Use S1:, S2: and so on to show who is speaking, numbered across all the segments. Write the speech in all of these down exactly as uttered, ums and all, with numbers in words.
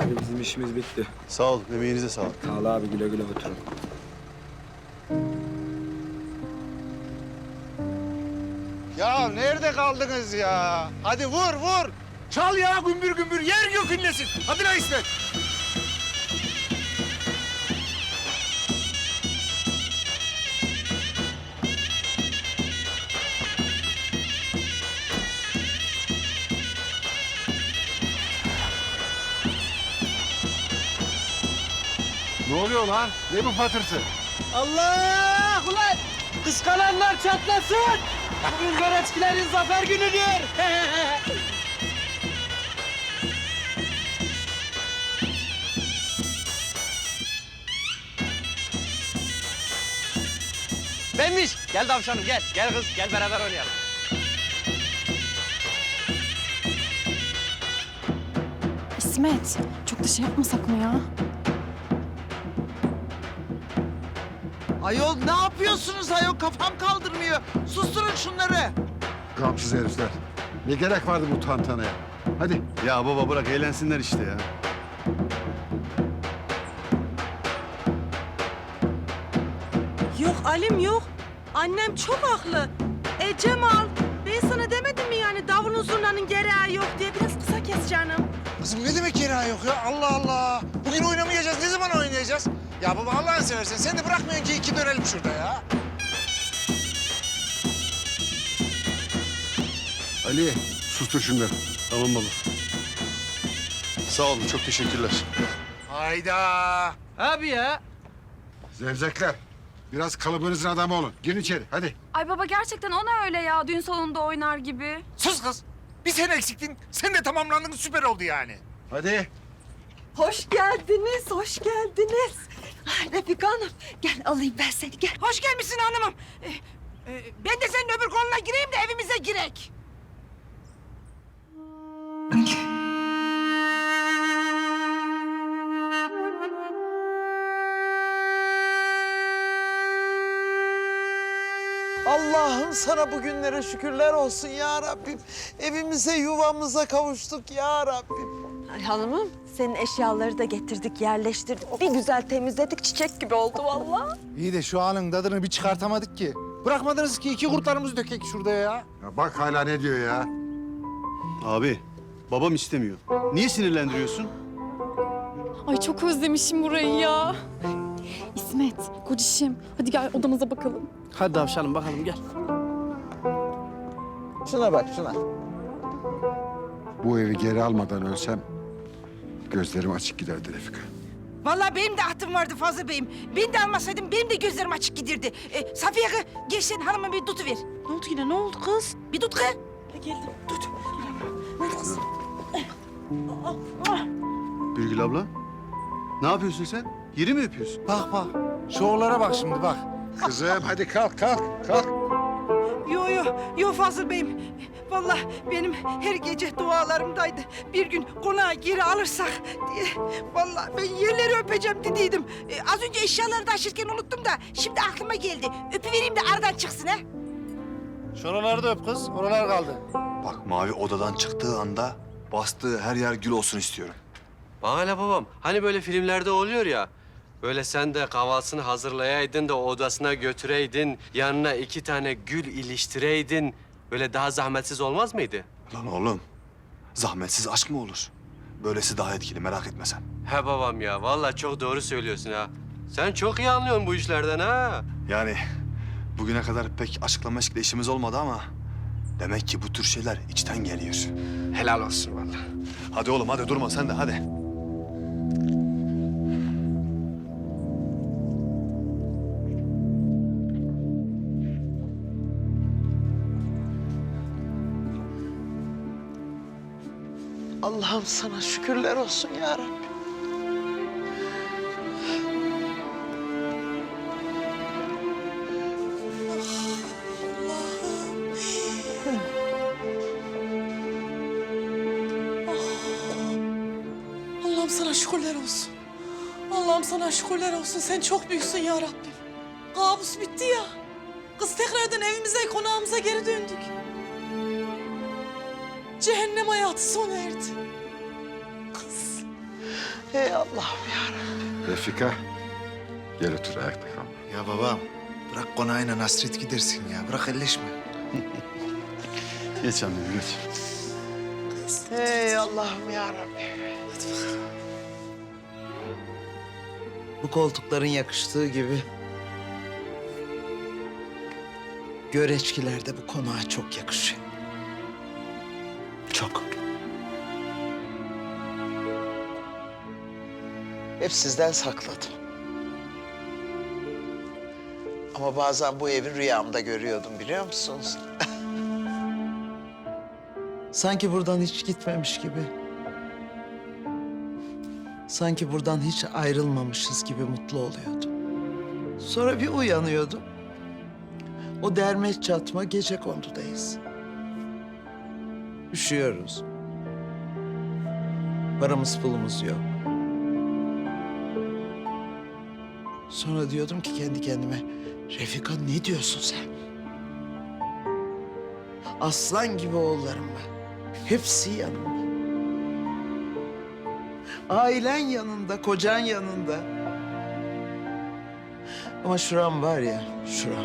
S1: Hadi bizim işimiz bitti.
S2: Sağ olun, emeğinize sağlık.
S1: Sağ ol abi, güle güle oturun.
S3: Ya nerede kaldınız ya? Hadi vur vur. Çal ya gümbür gümbür yer gök inlesin. Hadi lan İsmet.
S2: Ne oluyor lan? Ne bu patırtı?
S4: Allah! Ulan kıskananlar çatlasın! Bugün Göreçkilerin zafer günüdür! Benmiş! Gel tavşanım gel. Gel kız gel beraber oynayalım.
S5: İsmet, çok da şey yapmasak mı ya?
S4: Ayol ne yapıyorsunuz ayol? Kafam kaldırmıyor. Susturun şunları.
S2: Gamsız herifler. Ne gerek vardı bu tantanaya? Hadi. Ya baba bırak eğlensinler işte ya.
S6: Yok Alim yok. Annem çok haklı. E Cemal, ben sana demedim mi yani davulun zurnanın gereği yok diye biraz kısa kes canım.
S3: Kızım ne demek yeri yok ya? Allah Allah. Bugün oynamayacağız. Ne zaman oynayacağız? Ya baba Allah'ını seversen sen de bırakmıyorsun ki iki dönelim şurada ya.
S2: Ali sustur şunları. Tamam baba. Sağ olun, çok teşekkürler.
S3: Hayda.
S4: Abi ya.
S2: Zevzekler. Biraz kalıbınızın adamı olun. Girin içeri hadi.
S5: Ay baba gerçekten ona öyle ya, düğün salonunda oynar gibi.
S3: Sus kız. Bir sen eksiktin. Sen de tamamlandın, süper oldu yani.
S2: Hadi.
S6: Hoş geldiniz, hoş geldiniz. Ay, Refika Hanım, gel alayım ben seni, gel.
S7: Hoş gelmişsin hanımım. Ee, e, ben de senin öbür koluna gireyim de evimize girek.
S4: Allah'ım sana bugünlere şükürler olsun ya Rabbim. Evimize, yuvamıza kavuştuk ya Rabbim.
S6: Ay hanımım, senin eşyaları da getirdik, yerleştirdik. Bir güzel temizledik, çiçek gibi oldu vallahi.
S3: İyi de şu anın tadını bir çıkartamadık ki. Bırakmadınız ki iki kurtlarımızı dökek şurada ya.
S2: Ya bak hala ne diyor ya. Abi, babam istemiyor. Niye sinirlendiriyorsun?
S5: Ay çok özlemişim burayı ya. İsmet, kocişim, hadi gel odamıza bakalım.
S4: Hadi tavşanım bakalım gel. Şuna bak şuna.
S2: Bu evi geri almadan ölsem gözlerim açık giderdi Refika.
S7: Vallahi benim de ahtım vardı Fazıl Bey'im. Ben de almasaydım benim de gözlerim açık gidirdi. Ee, Safiye kız, gel sen hanıma bir tutuver.
S6: Ne oldu yine, ne oldu kız?
S7: Bir tut kız.
S6: Geldim.
S7: Tut.
S2: Birgül abla, ne yapıyorsun sen? Yeri mi öpüyorsun?
S3: Bak bak. Şovlara bak şimdi bak.
S2: Kızım hadi kalk kalk kalk.
S7: Yo yo, yo Fazıl Bey'im. Vallahi benim her gece dualarımdaydı. Bir gün konağı geri alırsak diye. Vallahi ben yerleri öpeceğim dediydim. Ee, az önce eşyaları taşırken unuttum da şimdi aklıma geldi. Öpüvereyim de aradan çıksın ha.
S3: Şuraları da öp kız. Oralar kaldı.
S8: Bak Mavi odadan çıktığı anda bastığı her yer gül olsun istiyorum.
S9: Bana ne babam? Hani böyle filmlerde oluyor ya. Böyle sen de kahvaltısını hazırlayaydın da odasına götüreydin. Yanına iki tane gül iliştireydin. Böyle daha zahmetsiz olmaz mıydı?
S8: Lan oğlum, zahmetsiz aşk mı olur? Böylesi daha etkili, merak etme sen.
S9: He babam ya, vallahi çok doğru söylüyorsun ha. Sen çok iyi anlıyorsun bu işlerden ha.
S8: Yani bugüne kadar pek açıklama eşikle işimiz olmadı ama... demek ki bu tür şeyler içten geliyor.
S9: Helal olsun vallahi.
S8: Hadi oğlum, hadi durma sen de, hadi.
S4: Allah'ım sana şükürler olsun ya Rabbim.
S6: Allah'ım sana şükürler olsun. Allah'ım sana şükürler olsun. Sen çok büyüksün ya Rabbim. Kabus bitti ya. Kız tekrardan evimize, konağımıza geri döndük. Cehennem hayatı sona erdi. Kız,
S4: Hey Allah'ım yarabbim.
S2: Refika, gel otur ayakta kalma.
S3: Ya babam bırak konağıyla Nasret gidersin ya. Bırak elleşme.
S8: Geç annem geç.
S4: Hey Allah'ım yarabbim. Bu koltukların yakıştığı gibi göreçkiler de bu konağa çok yakışıyor. Çok. Hep sizden sakladım. Ama bazen bu evi rüyamda görüyordum biliyor musunuz? Sanki buradan hiç gitmemiş gibi. Sanki buradan hiç ayrılmamışız gibi mutlu oluyordum. Sonra bir uyanıyordum. O derme çatma gecekondudayız. Üşüyoruz. Paramız pulumuz yok. Sonra diyordum ki kendi kendime, Refika ne diyorsun sen? Aslan gibi oğullarım var. Hepsi yanımda. Ailen yanında, kocan yanında. Ama şuram var ya, şuram.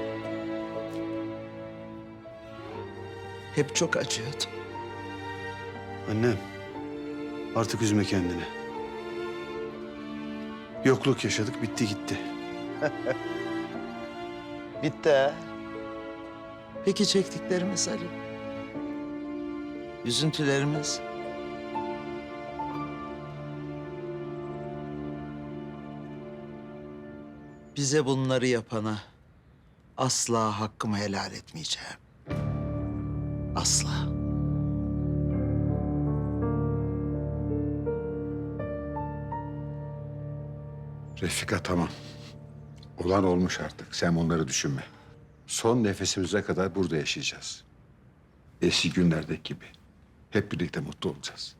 S4: Hep çok acıyordu.
S8: Annem, artık üzme kendini. Yokluk yaşadık, bitti gitti.
S4: Bitti ha. Peki çektiklerimiz Ali? Üzüntülerimiz? Bize bunları yapana asla hakkımı helal etmeyeceğim. Asla.
S2: Refika tamam. Olan olmuş artık. Sen onları düşünme. Son nefesimize kadar burada yaşayacağız. Eski günlerdeki gibi. Hep birlikte mutlu olacağız.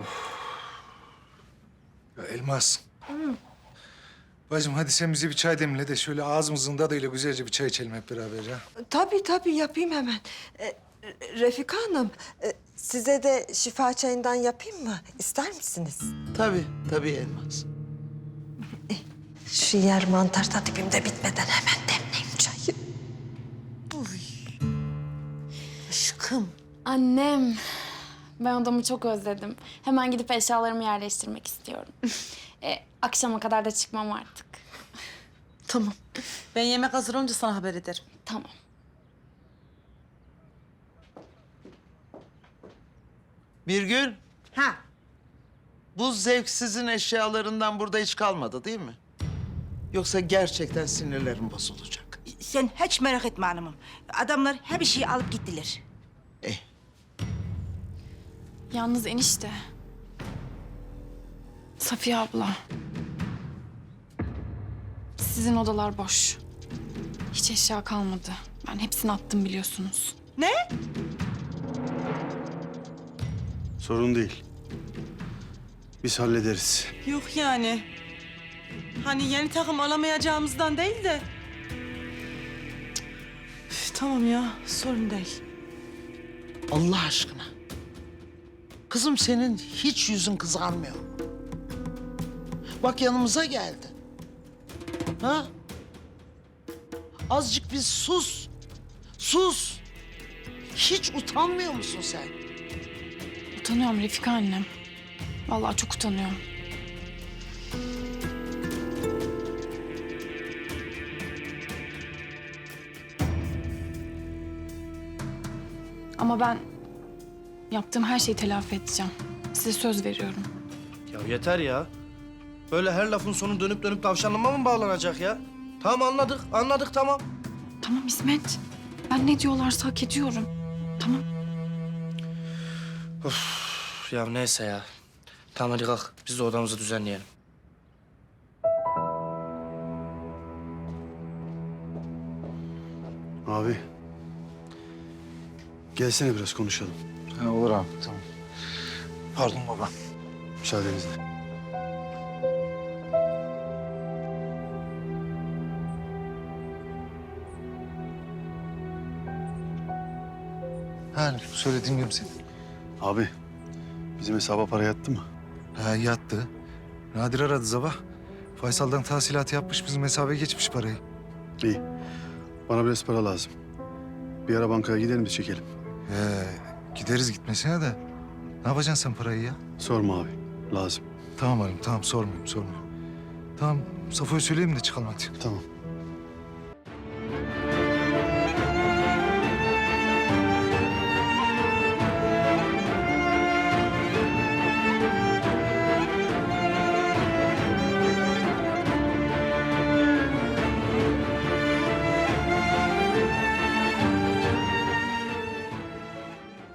S3: Ya Elmas. Bacım hadi sen bize bir çay demle de şöyle ağzımızın tadıyla güzelce bir çay içelim hep beraber ya.
S10: Tabii tabii yapayım hemen. Ee, Refika Hanım, e, size de şifa çayından yapayım mı? İster misiniz?
S4: Tabii, tabii Elmas.
S10: Şu yer mantar da dibimde bitmeden hemen demleyeyim çayı.
S5: Aşkım. Annem. Ben odamı çok özledim. Hemen gidip eşyalarımı yerleştirmek istiyorum. e, akşama kadar da çıkmam artık.
S6: Tamam. Ben yemek hazır olunca sana haber ederim.
S5: Tamam.
S4: Birgül,
S7: Ha,
S4: bu zevksizin eşyalarından burada hiç kalmadı değil mi? Yoksa gerçekten sinirlerim bozulacak.
S7: sen hiç merak etme hanımım. Adamlar her bir şeyi alıp gittiler.
S4: Eh,
S5: Yalnız enişte. Safiye abla. Sizin odalar boş. Hiç eşya kalmadı. Ben hepsini attım biliyorsunuz.
S7: Ne?
S8: Sorun değil. Biz hallederiz.
S6: Yok yani. Hani yeni takım alamayacağımızdan değil de. Üf, tamam ya, sorun değil.
S4: Allah aşkına. Kızım senin hiç yüzün kızarmıyor. Bak yanımıza geldin. Ha? Azıcık bir sus. Sus. Hiç utanmıyor musun sen?
S5: Utanıyorum Refika annem. Vallahi çok utanıyorum. Ama ben yaptığım her şeyi telafi edeceğim. Size söz veriyorum.
S11: Ya yeter ya. Böyle her lafın sonu dönüp dönüp tavşanlama mı bağlanacak ya? Tamam anladık, anladık tamam.
S5: Tamam İsmet. Ben ne diyorlarsa hak ediyorum. Tamam.
S11: Üf, ya neyse ya. Tamam hadi kalk, biz de odamızı düzenleyelim.
S8: Abi. Gelsene biraz konuşalım.
S3: Ha, olur abi tamam. Pardon baba.
S8: Müsaadenizle.
S3: Ha söyle dinliyorum seni.
S8: Abi, bizim hesaba para yattı mı?
S3: Ha yattı.
S12: Nadir aradı sabah. Faysal'dan tahsilatı yapmış, bizim hesaba geçmiş parayı.
S8: İyi. Bana biraz para lazım. Bir ara bankaya gidelim de çekelim.
S12: Ee, gideriz gitmesine de. Ne yapacaksın sen parayı ya?
S8: Sorma abi. Lazım.
S12: Tamam Halim, tamam sormuyorum, sormuyorum. Tamam, Safo'ya söyleyeyim de çıkalım hadi.
S8: Tamam.